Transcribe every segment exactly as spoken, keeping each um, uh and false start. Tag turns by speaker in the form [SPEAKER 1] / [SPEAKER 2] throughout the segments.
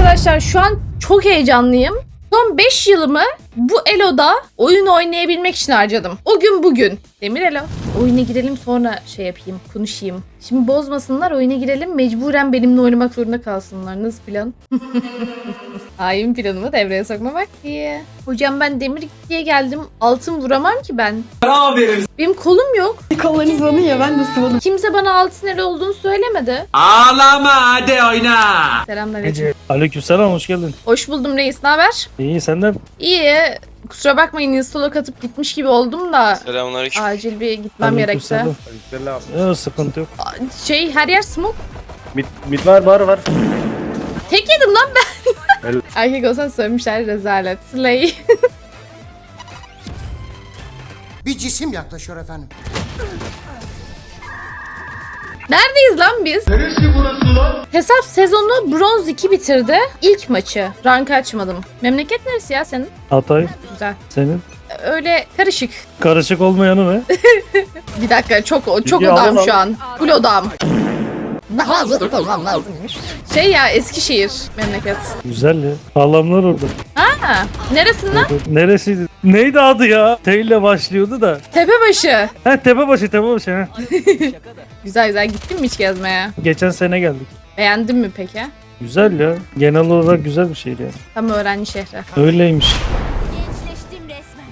[SPEAKER 1] Arkadaşlar şu an çok heyecanlıyım. Son beş yılımı bu Elo'da oyun oynayabilmek için harcadım. O gün bugün. Demir Elo. Oyuna girelim sonra şey yapayım, konuşayım. Şimdi bozmasınlar, oyuna girelim. Mecburen benimle oynamak zorunda kalsınlar. Nasıl plan? Hain planımı devreye sokmamak diye. Hocam ben demir diye geldim. Altın vuramam ki ben. Benim kolum yok.
[SPEAKER 2] Kollarınız alın ya, ben de sıvadım.
[SPEAKER 1] Kimse bana altın el olduğunu söylemedi.
[SPEAKER 3] Ağlama hadi oyna.
[SPEAKER 1] Selamünaleyküm.
[SPEAKER 4] Aleykümselam, hoş geldin.
[SPEAKER 1] Hoş buldum reis. Ne haber?
[SPEAKER 4] İyi, senden?
[SPEAKER 1] İyi. Kusura bakmayın, install'a katıp gitmiş gibi oldum da
[SPEAKER 5] Selamünaleyküm.
[SPEAKER 1] acil bir gitmem gerekti.
[SPEAKER 4] Aleykümselam. Yok, sıkıntı yok.
[SPEAKER 1] Şey, her yer smoke.
[SPEAKER 6] Mid, mid var var var.
[SPEAKER 1] Tek yedim lan ben.
[SPEAKER 6] El-
[SPEAKER 1] Erkek olsan sövmüşler, rezalet. Slay.
[SPEAKER 7] Bir cisim yaklaşıyor efendim.
[SPEAKER 1] Neredeyiz lan biz?
[SPEAKER 7] Neresi burası lan?
[SPEAKER 1] Hesap sezonu bronz iki bitirdi. İlk maçı. Rank açmadım. Memleket neresi ya senin?
[SPEAKER 4] Hatay,
[SPEAKER 1] Güzel.
[SPEAKER 4] senin?
[SPEAKER 1] Öyle karışık.
[SPEAKER 4] Karışık olmayanı ne?
[SPEAKER 1] Bir dakika, çok çok
[SPEAKER 4] İyi,
[SPEAKER 1] odam
[SPEAKER 4] al,
[SPEAKER 1] şu
[SPEAKER 4] al.
[SPEAKER 1] an. Full odam. Daha hazır olmam lazımmış. Şey ya, Eskişehir memleket.
[SPEAKER 4] Güzel ya. Sağlamlar orada.
[SPEAKER 1] Ha, neresinden?
[SPEAKER 4] Neresiydi? Neydi adı ya? T ile başlıyordu da.
[SPEAKER 1] Tepebaşı.
[SPEAKER 4] Ha, Tepebaşı, Tepebaşı. Ha.
[SPEAKER 1] Güzel güzel, gittin mi hiç gezmeye?
[SPEAKER 4] Geçen sene geldik.
[SPEAKER 1] Beğendin mi peki?
[SPEAKER 4] Güzel ya. Genel olarak güzel bir şehir yani.
[SPEAKER 1] Tam öğrenci şehri.
[SPEAKER 4] Öyleymiş.
[SPEAKER 8] Gençleştim resmen.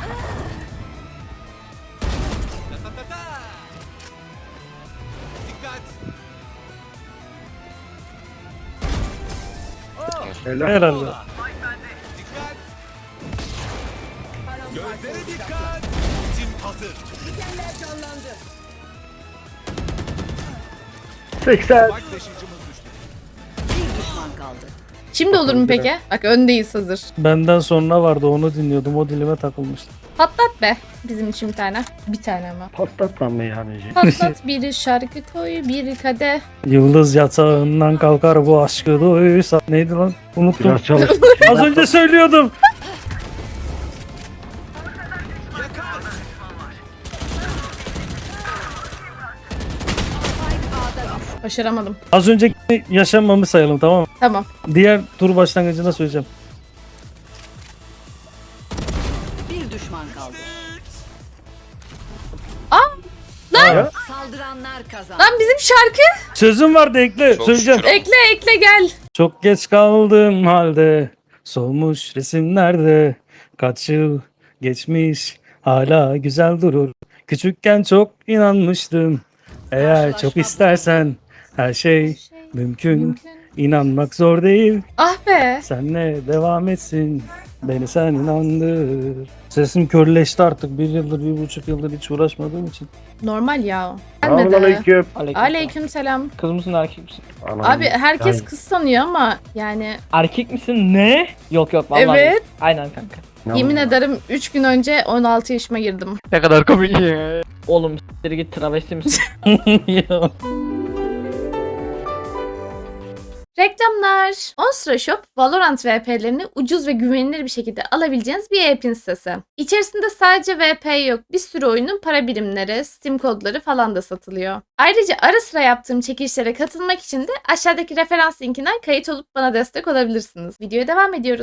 [SPEAKER 6] Helal.
[SPEAKER 4] Herhalde.
[SPEAKER 5] Gözlere dikkat. Tim hazır.
[SPEAKER 6] seksen.
[SPEAKER 5] Bak taşıyıcımız düştü.
[SPEAKER 1] Şimdi olur mu peki? Bak öndeyiz, hazır.
[SPEAKER 4] Benden sonra vardı, onu dinliyordum. O dilime takılmıştı.
[SPEAKER 1] Patlat be. Bizim için bir tane. Bir tane ama.
[SPEAKER 6] Patlatmam meyhaneci.
[SPEAKER 1] Patlat bir şarkı koy, bir kadeh.
[SPEAKER 4] Yıldız yatağından kalkar bu aşkı duysa. Neydi lan? Unuttum.
[SPEAKER 6] Biraz çalış.
[SPEAKER 4] Az önce söylüyordum.
[SPEAKER 1] Başaramadım.
[SPEAKER 4] Az önceki yaşanmamı sayalım, tamam mı?
[SPEAKER 1] Tamam.
[SPEAKER 4] Diğer tur başlangıcında söyleyeceğim.
[SPEAKER 8] Bir düşman kaldı.
[SPEAKER 1] Lan!
[SPEAKER 8] Saldıranlar kazandı.
[SPEAKER 1] Lan bizim şarkı.
[SPEAKER 4] Sözüm vardı, ekle.
[SPEAKER 5] Çok
[SPEAKER 4] söyleyeceğim.
[SPEAKER 5] şükür.
[SPEAKER 1] Ekle ekle gel.
[SPEAKER 4] Çok geç kaldım halde. Solmuş resimlerde. Kaç yıl geçmiş. Hala güzel durur. Küçükken çok inanmıştım. Eğer çok istersen her şey mümkün. İnanmak zor değil.
[SPEAKER 1] Ah be.
[SPEAKER 4] Senle devam etsin. Beni sen inandır. Sesim körleşti artık. Bir yıldır, bir buçuk yıldır hiç uğraşmadığım için.
[SPEAKER 1] Normal ya. Gelmedi.
[SPEAKER 6] Aleyküm.
[SPEAKER 1] Aleyküm selam.
[SPEAKER 9] Kız mısın erkek misin?
[SPEAKER 1] Abi herkes kız sanıyor ama yani
[SPEAKER 9] Erkek misin? Ne? Yok yok vallahi.
[SPEAKER 1] Evet.
[SPEAKER 9] yok. Aynen kanka.
[SPEAKER 1] yemin ederim üç gün önce on altı yaşıma girdim.
[SPEAKER 9] Ne kadar komik ya. Oğlum s**tir git, travesti misin?
[SPEAKER 4] Ya.
[SPEAKER 1] Reklamlar. Onstra Shop, Valorant V P'lerini ucuz ve güvenilir bir şekilde alabileceğiniz bir e-pin sitesi. İçerisinde sadece V P yok, bir sürü oyunun para birimleri, Steam kodları falan da satılıyor. Ayrıca ara sıra yaptığım çekilişlere katılmak için de aşağıdaki referans linkinden kayıt olup bana destek olabilirsiniz. Videoya devam ediyoruz.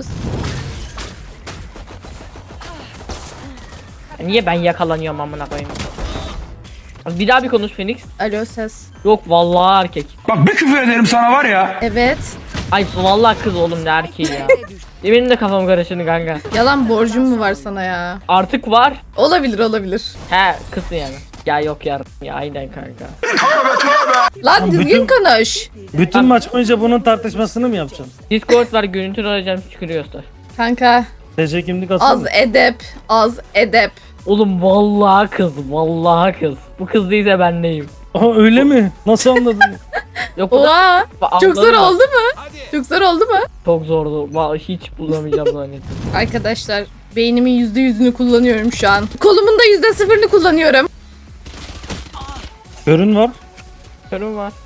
[SPEAKER 9] Niye ben yakalanıyorum amına koyayım? Bir daha bir konuş Phoenix.
[SPEAKER 1] Alo ses.
[SPEAKER 9] Yok vallahi erkek.
[SPEAKER 3] Bak bir küfür ederim sana var ya.
[SPEAKER 1] Evet.
[SPEAKER 9] Ay vallahi kız oğlum, ne erkeği ya. Benim de kafam karıştı kanka.
[SPEAKER 1] Yalan borcum mu var sana ya?
[SPEAKER 9] Artık var.
[SPEAKER 1] Olabilir olabilir.
[SPEAKER 9] He kızsın yani. Ya yok ya. Ya aynen kanka.
[SPEAKER 1] Lan düzgün konuş.
[SPEAKER 4] Bütün maç boyunca bunun tartışmasını mı yapacağım?
[SPEAKER 9] Discord var, görüntü arayacağım, çıkıyorsa.
[SPEAKER 1] Kanka
[SPEAKER 4] T C kimlik atsana.
[SPEAKER 1] az edep, az edep.
[SPEAKER 9] Oğlum vallahi kız, vallahi kız. Bu kız değilse ben neyim?
[SPEAKER 4] Aa, öyle mi? Nasıl anladın?
[SPEAKER 9] Yok bu da-
[SPEAKER 1] Oha!
[SPEAKER 9] Ba-
[SPEAKER 1] Çok zor
[SPEAKER 9] anladın mı?
[SPEAKER 1] oldu mu? Çok zor oldu mu?
[SPEAKER 9] Çok zordu. Vallahi hiç bulamayacağım zannettim.
[SPEAKER 1] Arkadaşlar beynimin yüzde yüzünü kullanıyorum şu an. Kolumun da yüzde sıfırını kullanıyorum.
[SPEAKER 4] Görün var.
[SPEAKER 9] Körüm var.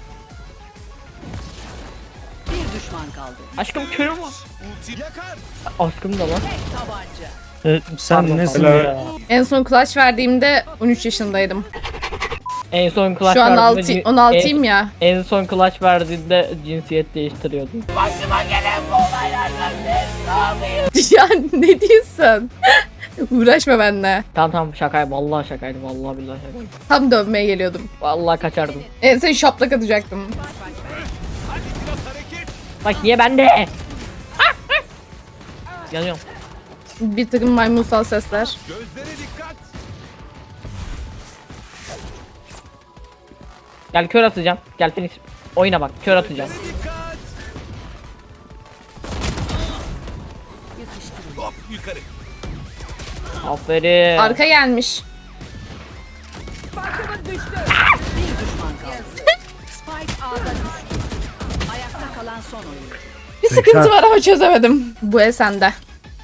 [SPEAKER 8] Bir düşman kaldı.
[SPEAKER 9] Aşkım körüm var.
[SPEAKER 5] Ulti yakar.
[SPEAKER 9] Aşkım da var.
[SPEAKER 8] Tabanca.
[SPEAKER 4] E, sen
[SPEAKER 9] Pardon,
[SPEAKER 4] nesin
[SPEAKER 6] helal.
[SPEAKER 4] ya?
[SPEAKER 1] En son clutch verdiğimde on üç yaşındaydım.
[SPEAKER 9] En son clutch
[SPEAKER 1] Şu an
[SPEAKER 9] verdiğinde
[SPEAKER 1] altı,
[SPEAKER 9] cin-
[SPEAKER 1] on altıyım ya.
[SPEAKER 9] En, en son clutch verdiğinde cinsiyet değiştiriyordu.
[SPEAKER 1] Ya ne diyorsun? Uğraşma benimle.
[SPEAKER 9] Tamam tamam şakaydı. Vallahi şakaydı. Vallahi billahi şakaydı.
[SPEAKER 1] Tam dövmeye geliyordum.
[SPEAKER 9] Vallahi kaçardım.
[SPEAKER 1] En sen şaplak atacaktım.
[SPEAKER 5] Hadi biraz hareket.
[SPEAKER 9] Bak niye bende? Yanıyorum.
[SPEAKER 1] Bir takım maymunsal sesler.
[SPEAKER 5] Gözlere dikkat.
[SPEAKER 9] Gel kör atacağım. Gel Phoenix. Oyuna bak. Kör atacağım.
[SPEAKER 5] Dikkat. Hop yukarı.
[SPEAKER 9] Aferin.
[SPEAKER 1] Arka gelmiş.
[SPEAKER 8] Bir düşman kaldı. Spike A'da düştü. Ayakta kalan son oyuncu.
[SPEAKER 1] Bir sıkıntı var ama çözemedim. Bu el sende.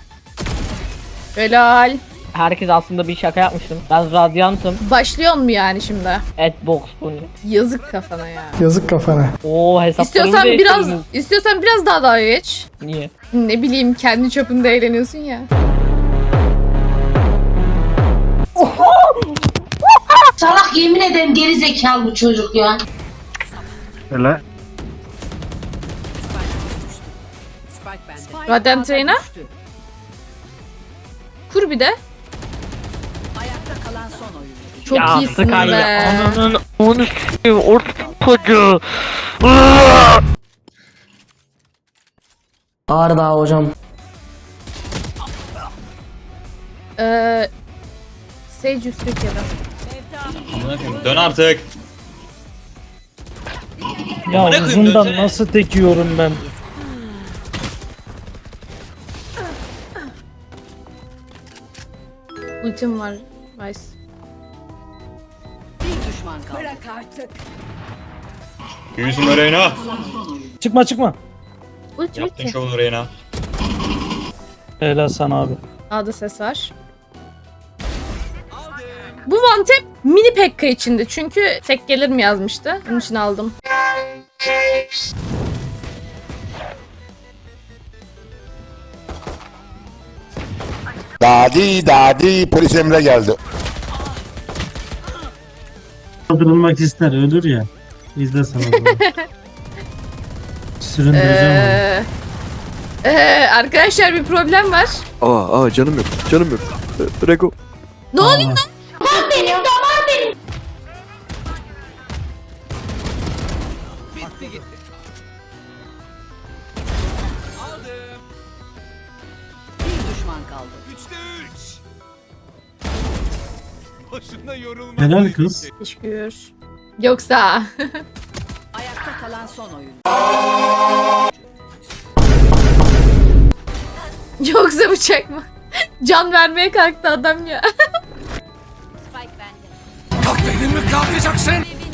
[SPEAKER 1] Helal.
[SPEAKER 9] Herkes aslında bir şaka yapmıştım. Ben radyantım.
[SPEAKER 1] Başlıyor mu yani şimdi?
[SPEAKER 9] Adbox bu ne?
[SPEAKER 1] Yazık kafana ya.
[SPEAKER 2] Yazık kafana.
[SPEAKER 9] Oo hesaplarımı
[SPEAKER 1] İstiyorsan biraz
[SPEAKER 9] değiştirdiniz.
[SPEAKER 1] istiyorsan biraz daha dalga geç.
[SPEAKER 9] Niye?
[SPEAKER 1] Ne bileyim kendi çapında eğleniyorsun ya.
[SPEAKER 10] Salak yemin ederim geri zekalı bu çocuk ya.
[SPEAKER 6] Helal.
[SPEAKER 8] Spike bende. Spike
[SPEAKER 1] Radyant
[SPEAKER 8] A'da
[SPEAKER 1] Reyna?
[SPEAKER 8] düştü.
[SPEAKER 1] Kur bir de.
[SPEAKER 8] Ayakta kalan son oyuncu.
[SPEAKER 1] Çok
[SPEAKER 9] ya
[SPEAKER 1] iyisin
[SPEAKER 9] Sky
[SPEAKER 1] be.
[SPEAKER 9] ya. Ananın onu s**eyim. Orta kocu.
[SPEAKER 2] Ağrı daha hocam.
[SPEAKER 1] Ee, Sage üst Türkiye'de.
[SPEAKER 3] Dön artık.
[SPEAKER 4] Ya
[SPEAKER 3] Bırakın,
[SPEAKER 4] uzundan
[SPEAKER 3] dönsene.
[SPEAKER 4] nasıl tekiyorum ben?
[SPEAKER 1] Ultim var. Nice.
[SPEAKER 8] Bir düşman kaldı. Bırak artık.
[SPEAKER 3] Yüzüm Reyna.
[SPEAKER 4] Çıkma çıkma.
[SPEAKER 1] Ulti
[SPEAKER 3] Yaptın
[SPEAKER 1] ulti.
[SPEAKER 3] şovunu Reyna.
[SPEAKER 4] Helal sana abi.
[SPEAKER 1] A'da ses var. Bu one tap mini Pekka içinde çünkü tek gelir mi yazmıştı. Onun için aldım.
[SPEAKER 7] Dadi dadi polis emre geldi.
[SPEAKER 6] Kaldırılmak ister ölür ya. İzle sana bunu. Süründüreceğim
[SPEAKER 1] Ee, ee, arkadaşlar bir problem var.
[SPEAKER 11] Aa, aa canım yok. Canım yok. Ee, Rego.
[SPEAKER 1] Ne
[SPEAKER 6] onu.
[SPEAKER 1] oluyor?
[SPEAKER 5] Bitti gitti. Aldım.
[SPEAKER 8] Bir düşman kaldı.
[SPEAKER 5] Üçte üç. Boşuna yorulma.
[SPEAKER 6] Helal kız.
[SPEAKER 1] Teşekkür. Yoksa.
[SPEAKER 8] Ayakta kalan son oyuncu.
[SPEAKER 1] Yoksa bıçak mı? Can vermeye kalktı adam ya.
[SPEAKER 8] Spike bende.
[SPEAKER 5] Kalk mi kalkacaksın?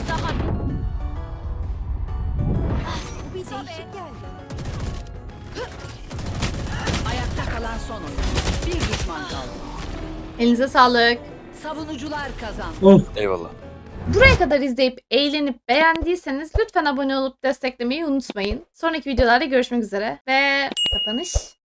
[SPEAKER 8] Ayakta kalan son oyuncu. Bir düşman kaldı.
[SPEAKER 1] Elinize sağlık.
[SPEAKER 8] Savunucular kazandı.
[SPEAKER 6] Of.
[SPEAKER 11] Eyvallah.
[SPEAKER 1] Buraya kadar izleyip eğlenip beğendiyseniz lütfen abone olup desteklemeyi unutmayın. Sonraki videolarda görüşmek üzere ve kapanış